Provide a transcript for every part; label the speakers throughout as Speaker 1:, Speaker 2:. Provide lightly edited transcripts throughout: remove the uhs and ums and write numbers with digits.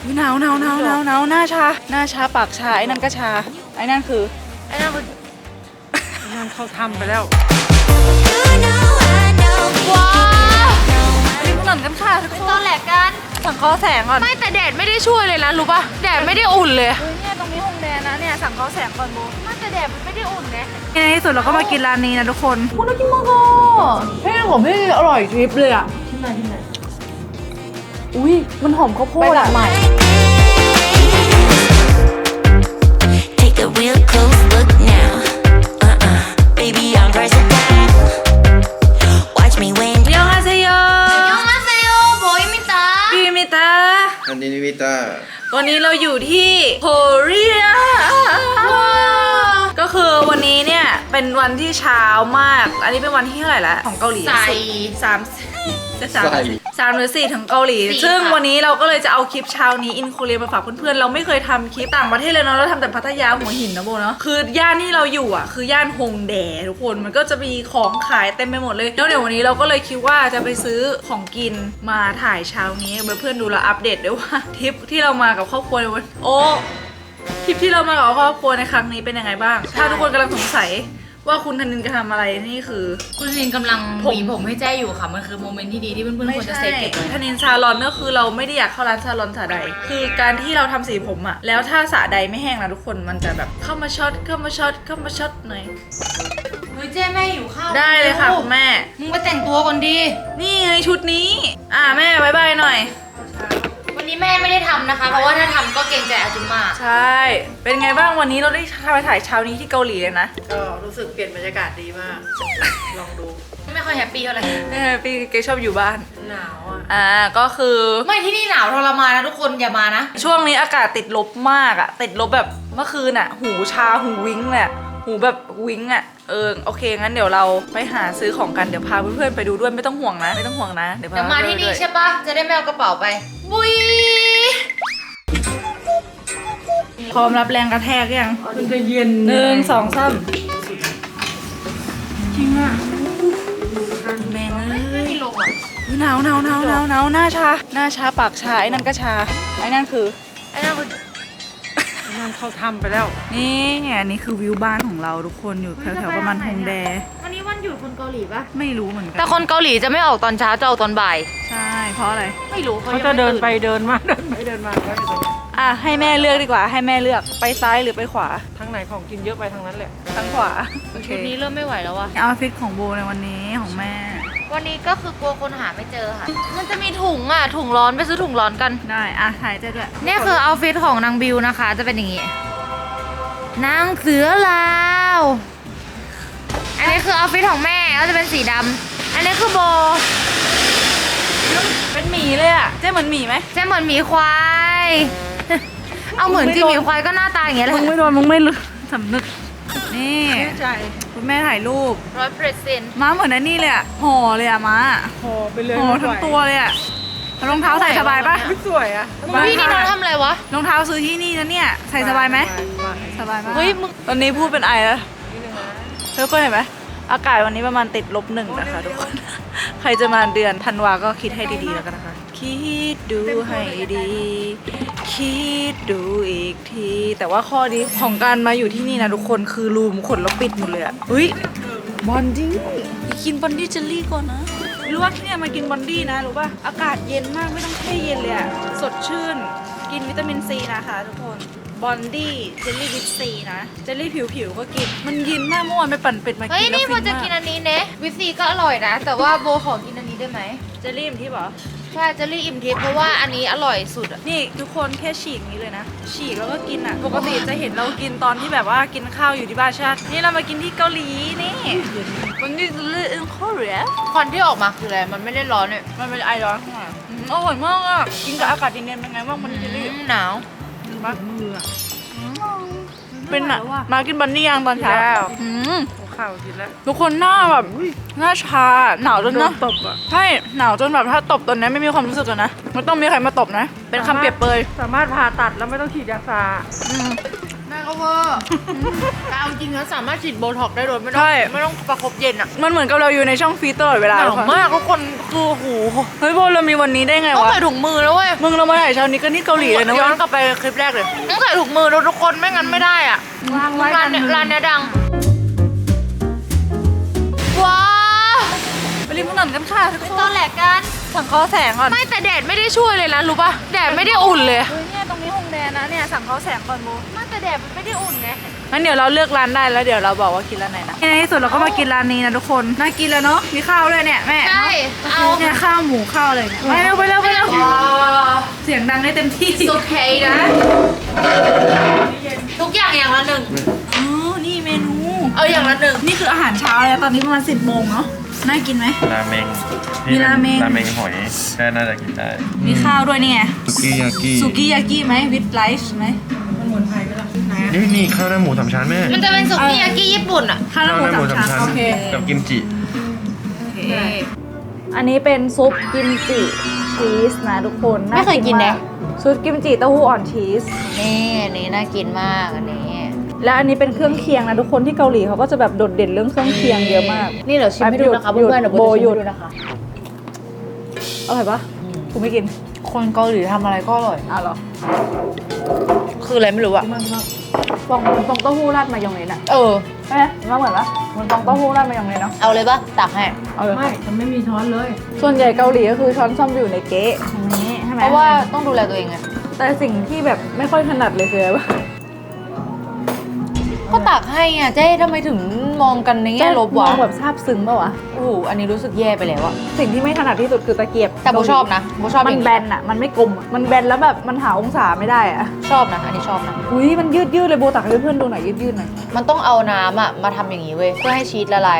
Speaker 1: หนาวหน้าชาปากชาไอ้นั่นก็ชาไอ้นั่นคือ
Speaker 2: เขาทำไปแล้ว
Speaker 1: ว้าวริมถนนกันค่ะทุกคน
Speaker 3: ตอนแหลกกัน
Speaker 1: สังเคราะห์แสงก่อน
Speaker 3: ไม่แต่แดดไม่ได้ช่วยเลยนะรู้ป่ะแดดไม่ได้อุ่นเลย
Speaker 1: เนี่ยตรงนี้ฮงแดนะเนี่ยสังเคราะห์แสงก่อนโบ
Speaker 3: ไม่แต่แดดมันไม่ได้อุ่นนะ
Speaker 1: ในที่สุดเราก็มากินร้านนี้นะทุกคนคุณน่ากินมากอ่ะ
Speaker 2: เฮ้ยของพี่อร่อยทริปเลยอ่ะ
Speaker 1: อุ้ยมันหอมข้าวโพดอ่ะ
Speaker 4: Take a real close look now. Baby, I'm versatile. Watch me when
Speaker 1: ยองอาเซโย
Speaker 3: ยองมาเซโอโบยมิตา
Speaker 1: พี่มิตา
Speaker 5: อันนี้นิวิตา
Speaker 1: วันนี้เราอยู่ที่โคเรียก็คือวันนี้เนี่ยเป็นวันที่เช้ามาก อันนี้เป็นวันที่เท่าไหร่ละของเกาหลี
Speaker 3: ใส่
Speaker 1: 3 หรือ 4ถึงเกาหลี
Speaker 3: 4
Speaker 1: ซึ่ง
Speaker 3: ค่ะ
Speaker 1: วันนี้เราก็เลยจะเอาคลิปเช้านี้อินโคเรียมาฝากเพื่อนๆเราไม่เคยทำคลิปต่างประเทศเลยเนาะเราทำแต่พัทยาหัวหินนะโบเนาะคือย่านที่เราอยู่อ่ะคือย่านฮงแดทุกคนมันก็จะมีของขายเต็มไปหมดเลยแล้วเดี๋ยววันนี้เราก็เลยคิดว่าจะไปซื้อของกินมาถ่ายเช้านี้ให้เพื่อนๆดูแลวอัปเดตด้วยว่าทริปที่เรามากับครอบครัวในวันทริปที่เรามากับครอบครัวในครั้งนี้เป็นยังไงบ้าง ถ้าทุกคนกำลังสงสัยว่าคุณธนินจะทำอะไรนี่คือ
Speaker 3: คุณลินกำลังหวีผมให้แจ้อยู่ค่ะมันคือโมเมนต์ที่ดีที่เพื่อนๆควรจะเซฟเก็บไว้
Speaker 1: ธนินซาลอนก็คือเราไม่ได้อยากเข้าร้านซาลอนสระใดคือการที่เราทำสีผมอะแล้วถ้าสระใดไม่แห้งนะทุกคนมันจะแบบเข้ามาช็อตหน่อย
Speaker 3: เฮ้ยเจ้แม่หิวข้าว
Speaker 1: ได้เลยค่ะคุณแม่
Speaker 3: มึงไปแต่งตัวก่อนดี
Speaker 1: นี่ไงชุดนี้แม่บายบายหน่อย
Speaker 3: วันนี้แม่ไม่ได้ทำนะคะ เพราะว่าถ้าทำก็เกรงใจอาจุม่า
Speaker 1: ใช่เป็นไงบ้างวันนี้เราได้ไปถ่ายเช้านี้ที่เกาหลีเลยนะ
Speaker 2: ก็รู้สึกเปลี่ยนบรรยากาศดีมาก ลองดู
Speaker 3: ไม่ค่อยแฮปปี้เท่าไหร่
Speaker 1: พี่เกชอบอยู่บ้าน
Speaker 2: หนาวอ่ะ
Speaker 1: ก็คือ
Speaker 3: ไม่ที่นี่หนาวทรมานนะทุกคนอย่ามานะ
Speaker 1: ช่วงนี้อากาศติดลบมากอะติดลบแบบเมื่อคืนอะหูชาหูวิ้งเลยอะหูแบบวิ้งอะโอเคงั้นเดี๋ยวเราไปหาซื้อของกันเดี๋ยวพาเพื่อนๆไปดูด้วยไม่ต้องห่วงนะเดี๋ยวพา
Speaker 3: เดี๋ยวมาที่นี่ใช่ปะจะได้ไม่เอากระเป๋าไป บุย
Speaker 1: พร้อมรับแรงกระแทกยัง
Speaker 2: มันจะเย็น
Speaker 1: 1 2 3จริงอะแม่งเอ้ย
Speaker 3: ไม่มีลมอ่ะ
Speaker 1: หนาวหน้าชาปากชาไอ้นั่นก็ชาไอ้นั่นคือ
Speaker 3: ไอ้นั่นคือ
Speaker 2: มันเขาทำไปแล้ว
Speaker 1: นี่อันนี้คือวิวบ้านของเราทุกคนอยู่แถวๆประมาณฮงแด
Speaker 3: วันนี้วันหยุดคนเกาหลีปะ
Speaker 1: ไม่รู้เหมือนกั
Speaker 3: แต่คนเกาหลีจะไม่ออกตอนเช้าจะออกตอนบ่าย
Speaker 1: ใช่เพราะอะไร
Speaker 3: ไม่รู้
Speaker 2: เขาจะเดินไปเดินมาเดินไปเดินมาก็อยู่ตรงนี้
Speaker 1: ให้แม่เลือกดีกว่าให้แม่เลือกไปซ้ายหรือไปขวา
Speaker 2: ทางไหนของกินเยอะไปทางนั้นแหละ
Speaker 1: ทางขวาโอเค
Speaker 3: ชุดนี้เริ่มไม่ไหวแล้วอะ
Speaker 1: เอาฟิตของโบในวันนี้ของแม่
Speaker 3: วันนี้ก็คือกลัวคนหาไม่เจอค่ะ มันจะมีถุงอ่ะถุงร้อนไปซื้อถุงร้อนกัน
Speaker 1: ได้ถ่ายเจ๊ด้วย
Speaker 3: เนี่ยคือเอาฟิตของนางบิวนะคะ จะเป็นอย่างงี้ นางเสือลาว อันนี้คือเอาฟิตของแม่ก็จะเป็นสีดำ อันนี้คือโบ
Speaker 1: เป็นหมีเลยอ่ะเจ๊เหมือนหมีไหม
Speaker 3: จะเหมือนหมีควาย เอาเหมือนจริงหมีควายก็หน้าตาอย่างเงี้ยแห
Speaker 1: มึ
Speaker 3: ละ
Speaker 1: งไม่โดนมึงไม่รู้สำนึกนี่
Speaker 2: แน่ใจ
Speaker 1: คุณแม่ถ่ายรูป
Speaker 3: 100%
Speaker 1: ม้าเหมือนอันนี้เลยอ่ะห่อเลยอ่ะม้า
Speaker 2: พอไปเลย
Speaker 1: ห่อทั้งตัวเลยอ่ะรองเท้าใส่สบายปะ
Speaker 2: ไม่สวยอ่ะ
Speaker 3: พี่นี่น้องทำอะไรวะ
Speaker 1: รองเท้าซื้อที่นี่นะเนี่ยใส่สบายไหมสบายมาก
Speaker 3: เฮ้ยมึง
Speaker 1: ตอนนี้พูดเป็นไอแล้วทุกคนเห็นไหมอากาศวันนี้ประมาณติดลบ1นะคะทุกคน ใครจะมาเดือนธันวาก็คิดให้ดีๆแล้วกันนะคะ คิดดูให้ดี คิดดูอีกที แต่ว่าข้อดีของการมาอยู่ที่นี่นะทุกคนคือรูมขนแล้วปิดหมดเลยอะเฮ้ยบอนดี้ไปกินบอนดี้เจลลี่ก่อนนะรู้ว่าที่เนี่ยมากินบอนดี้นะรู้ป่ะอากาศเย็นมากไม่ต้องแช่เย็นเลยอะสดชื่นกินวิตามินซีนะคะทุกคนบอนดี้เจลลี่วิตซีนะเจลลี่ผิวๆก็กินมันเย็นมากเมื่อวานไปปั่นเป็ดมากิน
Speaker 3: เฮ้ย
Speaker 1: แล้ว
Speaker 3: นี่
Speaker 1: ฟิ
Speaker 3: โบจะ
Speaker 1: มาก
Speaker 3: กินอันนี้เนะวิซีก็อร่อยนะ แต่ว่าโบขอกินอันนี้ได้ไหม
Speaker 1: เจลลี่อิ่มที่บอก
Speaker 3: ใช่เจลลี่อิ่มทิพย์เพราะว่าอันนี้อร่อยสุดอะ
Speaker 1: นี่ทุกคนแค่ฉีกนี้เลยนะ ฉีกแล้วก็กินอ่ะ ปกติจะเห็นเรากินตอนที่แบบว่ากินข้าวอยู่ที่บ้านชาตินี่เรามากินที่เกาหลีนี่วันนี้จะเลือกเกาหลี
Speaker 3: ควันที่ออกมาคืออะไรมันไม่ได้ร้อนเนี่ย
Speaker 1: มันเป็นไอร้อนข้างในอร่อยมากอ่ะกินกับอากาศเย็นๆเป็นไงบ้างมันเจลลี่
Speaker 3: หนาว
Speaker 1: บ้ามือเป็นอ่ะมากินบันนี่ยังตอนเช้าอืม
Speaker 2: ข้าวกินแล้ว
Speaker 1: ทุกคนหน้าแบบหน้าชาหนาวจน
Speaker 2: โด
Speaker 1: นะ
Speaker 2: นตบอ่ะ
Speaker 1: ใช่หนาวจนแบบถ้าตบตอนนี้ไม่มีความรู้สึกเลยนะไม่ต้องมีใครมาตบนะ เป็นคำเปรียบเปรย
Speaker 2: สามารถผ่าตัดแล้วไม่ต้องฉีดยาซา
Speaker 1: อืม
Speaker 3: แม่ก็เวอร์แต่เอาจริงนะสามารถฉีดโบท็อกซ์ได้โดยไม่ต้อง
Speaker 1: ใช่
Speaker 3: ไม่ต้องประคบเย็นอ่ะ
Speaker 1: มันเหมือนกับเราอยู่ในช่องฟรีซตลอดเวลา
Speaker 3: หนาวมากทุกคนคือหู
Speaker 1: เฮ้ยโบเรามีวันนี้ได้ไง
Speaker 3: ต้อง
Speaker 1: วะ
Speaker 3: ใส่ถุงมือแล้วเว้ย
Speaker 1: มึงเรามาถ่ายเช้านี้ก็นี่เกาหลีเลยนะ
Speaker 3: ย้
Speaker 1: เว้
Speaker 3: อย นกลับไปคลิปแรกเลยต้องใส่ถุงมือทุกคนไม่งั้นไม่ได้อ่ะ
Speaker 1: วางไว้
Speaker 3: ร้านเนี้ยร้านเนี้ยดังว้า
Speaker 1: ไปริมถนนกันค่ะทุกค
Speaker 3: ตอน นแหลกกัน
Speaker 1: สั่งข้าวแสงก่อน
Speaker 3: ไม่แต่แดดไม่ได้ช่วยเลยนะรู้ป่ะแดดไม่ได้อุ่นเลย
Speaker 1: เฮ้ยเนี่ยตรงนี้ฮงแดนนะเนี่ยสั่งข้าวแสงก่อนโบ
Speaker 3: ไม่แต่แดดมันไม่ได้อุ่นไง
Speaker 1: งั้นเดี๋ยวเราเลือกร้านได้แล้วเดี๋ยวเราบอกว่ากินร้านไหนนะในที่สุดเราก็มากินร้านนี้นะทุกคนน่ากินแล้วเนาะมีข้าวด้วยเนี่ยแม่
Speaker 3: ใช่เอา
Speaker 1: เนี่ยข้าวหมูข้าวอะไรเนี่ยไปเร็วไปเร็วไปเร็วเสียงดังได้เต็มที่
Speaker 3: โอเคนะทุกอย่างอย่างละหนึ่ง
Speaker 1: อ๋อนี่เมนู
Speaker 3: เอาอย่างละหนึ่ง
Speaker 1: นี่คืออาหารเช้าเลยตอนนี้ประมาณ10 โมงเนาะน่ากินไหม
Speaker 5: ราเมง
Speaker 1: มีราเมง
Speaker 5: ราเมงหอยก็น่าจะกินได้
Speaker 1: มีข้าวด้วยนี่ไง
Speaker 5: สุกี้ยากิ
Speaker 1: สุกี้ยากิไหมวิดไ i ซ์ไหม
Speaker 5: นี่ข้าวหน้าหมูสามชั้นแม่
Speaker 3: มันจะเป็นสุกี้ยากิญี่ปุ่นอ่ะ
Speaker 1: ข้าวหน้าหมูสามชั้นโอเค
Speaker 5: กับกิมจิ
Speaker 1: อันนี้เป็นซุปกิมจิชีสนะทุกคน
Speaker 3: ไม่เคยกิน
Speaker 1: มา
Speaker 3: นะ
Speaker 1: ซุปกิมจิเต้าหู้อ่อนชีส
Speaker 3: นี่อันนี้น่ากินมากอันนี้
Speaker 1: และอันนี้เป็นเครื่องเคียงนะทุกคนที่เกาหลีเขาก็จะแบบโดดเด่นเรื่องเครื่องเคียงเยอะมาก
Speaker 3: นี่เดี๋ยวชิมให้ดูนะคะ
Speaker 1: หยุด
Speaker 3: เพื่อนๆเดี๋ยว
Speaker 1: โบ
Speaker 3: โบจะ
Speaker 1: หยุ
Speaker 3: ชิม
Speaker 1: ด
Speaker 3: ให้ดูนะคะ
Speaker 1: อร่อยปะกูไม่กิน
Speaker 3: คนเกาหลีทำอะไรก็อร่อย
Speaker 1: อ้าวเหรอ
Speaker 3: คืออะไรไม่รู้อะ
Speaker 1: ฟองฟองเต้าหู้ราดมายองเนสอะ
Speaker 3: เออ
Speaker 1: ใช่ไหมมันเหมือนปะมันฟองเต้าหู้ราดมายองเนสเนาะ
Speaker 3: เอาเลยปะตักให้
Speaker 1: เอาเลย
Speaker 2: ไม่ฉันไม่มีช้อนเลย
Speaker 1: ส่วนใหญ่เกาหลีก็คือช้อนส้อมจะอยู่ในเก๊ะตรงนี้ใช่ไหม
Speaker 3: เพราะว่าต้องดูแลตัวเองไง
Speaker 1: แต่สิ่งที่แบบไม่ค่อยถนัดเลยคืออะไรปะ
Speaker 3: ก็ตักให้อ่ะเจ๊ทำไมถึงมองกันในแง่ลบ
Speaker 1: ม
Speaker 3: วะ
Speaker 1: องแบบซาบซึ้งปะวะ
Speaker 3: โอ้โหอันนี้รู้สึกแย่ไปแล้วอะ
Speaker 1: สิ่งที่ไม่ถนัดที่สุดคือตะเกียบ
Speaker 3: แต่โบชอบนะโบชอบ
Speaker 1: มั
Speaker 3: อน ย่าง
Speaker 1: แบนอะมันไม่กลมอะมันแบนแล้วแบบมันหาองศาไม่ได้อะ
Speaker 3: ชอบนะอันนี้ชอบนะ
Speaker 1: อุ้ยมันยืดเลยโบตักให้เพื่อนๆดูหน่อยยืดหน่อย
Speaker 3: มันต้องเอาน้ำอะมาทำอย่างนี้เว้ยเพื่อให้ชีสละลาย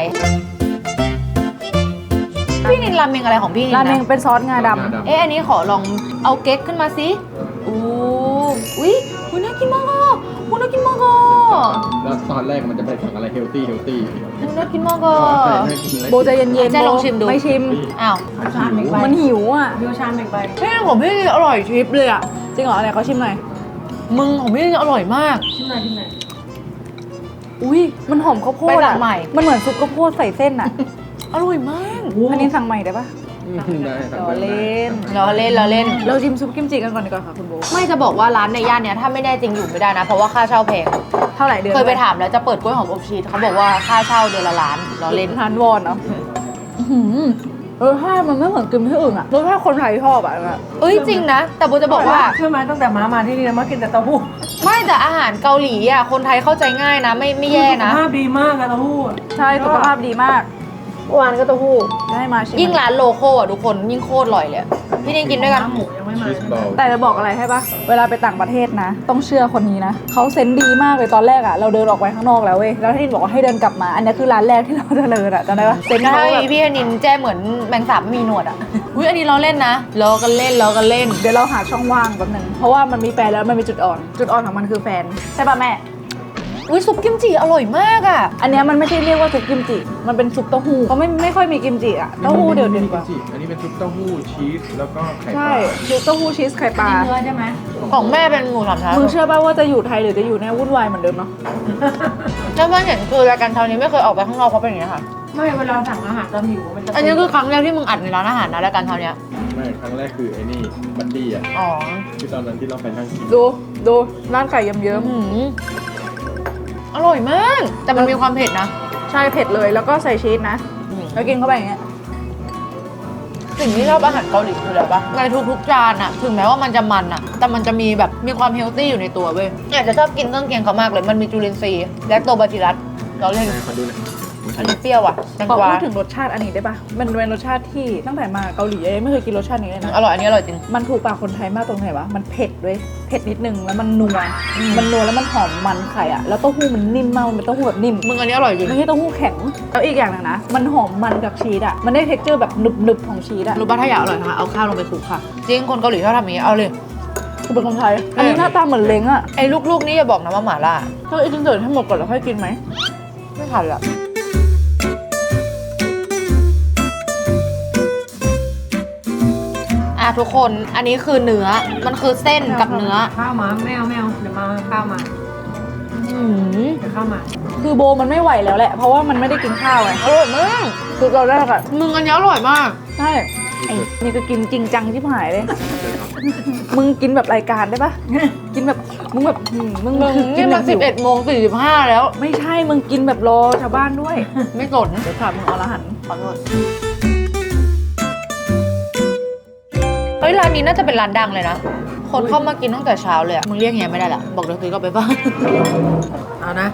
Speaker 3: พี่นินราเมงอะไรของพี่นิน
Speaker 1: ราเมง
Speaker 3: นะ
Speaker 1: เป็นซอสงาดำ
Speaker 3: เอ๊ะอันนี้ขอลองเอาเก๊กขึ้นมาสิอู้อุ้ยอุ๊ยน่ากินมากอ่ะอุ๊ยน่ากินมากอ่ะ
Speaker 6: แล้วตอนแรกมันจะไปสั่งอะไรเฮลตี้
Speaker 3: อุ๊ยน่ากินมากอ่ะ
Speaker 1: โบใจะเย็นๆ
Speaker 3: เจ๊ลองชิมดู
Speaker 1: ไม่ชิม
Speaker 3: อ้าว
Speaker 2: ชามอีกใบ
Speaker 1: มันหิวอ่ะ
Speaker 2: เดียวชามอีกใบ
Speaker 3: เฮ้ยของพี่อร่อยทริปเลยอ่ะ
Speaker 1: จริงเหรออะไรเขาชิมหน่อย
Speaker 3: มึงของพี่อร่อยมาก
Speaker 2: ชิ้นไหนชิ้นไหน
Speaker 1: อุ้ยมันหอมข้าวโพ
Speaker 3: ไป
Speaker 1: ด
Speaker 3: สั่
Speaker 1: อ่ะ
Speaker 3: งใหม่
Speaker 1: มันเหมือนซุปข้าวโพดใส่เส้นอ่ะ
Speaker 3: อร่อยมาก
Speaker 1: อันนี้สั่งใหม่ได้ปะ
Speaker 6: ได้สั่ง
Speaker 1: รอ
Speaker 6: ได้
Speaker 1: เล่น
Speaker 3: เราเล่นเราเล่น
Speaker 1: เราชิมซุปกิมจิกันก่อนดีกว่าค่ะคุณโบ
Speaker 3: ไม่จะบอกว่าร้านในย่านเนี้ยถ้าไม่แน่จริงอยู่ไม่ได้นะ เพราะว่าค่าเช่าแพง
Speaker 1: เท่าไหร่เดือน
Speaker 3: เคยไปถามแล้วจะเปิดกล้วยหอมอบชีสเขาบอกว่าค่าเช่าเดือนละล้านเราเล่น
Speaker 1: ทานวอนเนาะรสชาติมันไม่เหมือนกินที่อื่นอะรสชาติคนไทยชอบอะ
Speaker 3: เอ้ยจริงนะ แต่โบจะบอกว่า
Speaker 2: เชื่อไหมตั้งแต่มาที่นี่มากินแต่เต้าหู้
Speaker 3: ไม่แต่อาหารเกาหลีอ่ะคนไทยเข้าใจง่ายนะ ไม่แย่นะ
Speaker 2: สุขภาพดีมากอะเต้าหู้
Speaker 1: ใช่สุขภาพดีมากเมื่อวานก็เต้าหู้ได้มาชิม
Speaker 3: ยิ่งร้านโลโก้อ่ะทุกคนยิ่งโคตรอร่อยเลยอะพี่นินกินด้วยกัน
Speaker 2: หมูยังไม่มา
Speaker 6: ชีสบอล
Speaker 1: แต่จะบอกอะไรให้ปะเวลาไปต่างประเทศนะ ต้องเชื่อคนนี้นะเขาเซนส์ดีมากเลยตอนแรกอะเราเดินออกไปข้างนอกแล้วเว้ยแล้วที่บอกว่าให้เดินกลับมา อันนี้คือร้านแรกที่เราเดินอะจำได้ปะเซนส์เขา
Speaker 3: ใช่
Speaker 1: แบบ
Speaker 3: พี่นินแจ้เหมือนแมงสาบไม่มีหนวดอ่ะอุ้ยอันนี้เราเล่นนะล้อกันเล่นล้อกันเล่น
Speaker 1: เดี๋ยวเราหาช่องว่างแป๊บนึงเพราะว่ามันมีแฟนแล้วมันมีจุดอ่อน จุดอ่อนของมันคือแฟนใช่ปะแม่
Speaker 3: อุ้ยซุปกิมจิอร่อยมากอ่ะ
Speaker 1: อันเนี้ยมันไม่ใช่เรียกว่าซุปกิมจิ มันเป็นซุปเต้าหู้เขาไม่ค่อยมีกิมจิอะเต้าหู้เดี๋ยวดีกว่า
Speaker 6: อันนี้เป็นซุปเต้าหู้ชีสแล้วก็ไข่ป
Speaker 1: ใช่
Speaker 6: ลา
Speaker 1: ซุปเต้าหู้ชีสไข่ปลา
Speaker 2: เนื้อใช่ไหม
Speaker 3: ของแม่เป็นหมูสามชั้น
Speaker 1: มึงเชื่อป่ะว่าจะอยู่ไทยหรือจะอยู่เนี่ยวุ่นวายเหมือนเดิมเนาะ
Speaker 3: แล้วเพื่อนเห็นคือรายการเช้านี้ไม่เคยออกไปข้างนอกเพราะเป็นอย่างนี้ค่ะ
Speaker 2: ไม่เวลาสั่งอาหารตอนหิวมันจะ
Speaker 3: อันนี้คือครั้งแรกที่มึงอัดในร้านอาหารนะรายการเช้าเนี้ย
Speaker 6: ไม่ครั้งแรกคือไอ้นี่บัดดี้อ่ะ
Speaker 3: อ๋อ
Speaker 6: คือตอนนั้นที่เราไปนั่งกิน
Speaker 1: ดูร้านไก่เยิ้ม
Speaker 3: อื้อหืออร่อยมาก แต่มันมีความเผ็ดนะ
Speaker 1: ๆใช่เผ็ดเลยแล้วก็ใส่ชีสนะแล้วกินเข้าไปอย่างเงี้ย
Speaker 3: สิ่งที่ชอบอาหารเกาหลีคืออะไรปะในทุกๆจานอะถึงแม้ว่ามันจะมันอะแต่มันจะมีแบบมีความเฮลตี้อยู่ในตัวเว้ยอยากจะชอบกินเครื่องเคียงเขามากเลย มันมีจุลินทรีย์แลคโตบาซิลลัสเราเล่น
Speaker 6: ให้เขาดูหน่อย
Speaker 3: อันนี้เปรี้ยวอ่ะแตง
Speaker 1: ขอก
Speaker 3: วา
Speaker 1: พูดถึงรสชาติอันนี้ได้ปะมันเป็นรสชาติที่ตั้งแต่มาเกาหลียังไม่เคยกินรสชาตินี้เลยนะ
Speaker 3: อร่อยอันนี้อร่อยจริง
Speaker 1: มันถูกปากคนไทยมากตรงไหนวะ มันเผ็ดด้วย เผ็ดนิดนึงแล้วมันนัว มันนัวแล้วมันหอมมันไข่อะแล้วเต้าหู้มันนิ่มมาก มันเป็นเต้าหู้แบบนิ่ม
Speaker 3: มึงอันนี้อร่อยจริง
Speaker 1: ไม่ใช่เต้าหู้แข็ง แล้วอีกอย่างหนึงนะ มันหอมมันกับชีสอะมันได้เท็กเจอร์แบบหนึบๆของชีสอะ
Speaker 3: รู้ป่ะถ้าอยากอร่อยนะคะเอาข้าวลงไปคลุกค่ะ จริงคนเกาหลีชอบทำอย่างนี้เอาเลย
Speaker 1: คือเป็นคนไทย อันนี้หน้าตาเหมือนเล้งอะ
Speaker 3: ไอ้ลูกๆนี่อย่าบอกนะว่าหม่าล่า
Speaker 1: ถ้าไอ้จิ้งเจิดให้หมดก่อนแล้วค่อยกินไหม
Speaker 3: ไม่ทันละอ่ะทุกคนอันนี้คือเนื้อมันคือเส้นกับเนื้อ
Speaker 2: ข้าวมาไม่เอาเดี๋ยวมาข้าวมาเดี๋ยวเข้ามา
Speaker 1: คือโบมันไม่ไหวแล้วแหละ เพราะว่ามันไม่ได้กินข้าวไง
Speaker 3: อร่อยมาก
Speaker 1: คือตอนแรกอะ
Speaker 3: มึงอันนี้อร่อยมาก
Speaker 1: ใช่ไอ้นี่ก็กินจริงจังที่หายเลย มึงกินแบบรายการได้ปะกินแบบมึงแบบมึง
Speaker 3: มึง
Speaker 1: กิ
Speaker 3: นี่
Speaker 1: แบ
Speaker 3: มัน
Speaker 1: บหิว
Speaker 3: 11:45แล้ว
Speaker 1: ไม่ใช่มึงกินแบบรอชาวบ้านด้วย
Speaker 3: ไม่สน
Speaker 1: เดี๋ยวถามมึงอรหันต์
Speaker 3: ขอโทษเฮ้ยร้านนี้น่าจะเป็นร้านดังเลยนะ คนเข้ามากินตั้งแต่เช้าเลยอะมึงเรียกเฮียไม่ได้ละบอกเดี๋ยวซื้อกลับไปบ้าน
Speaker 2: เอานะ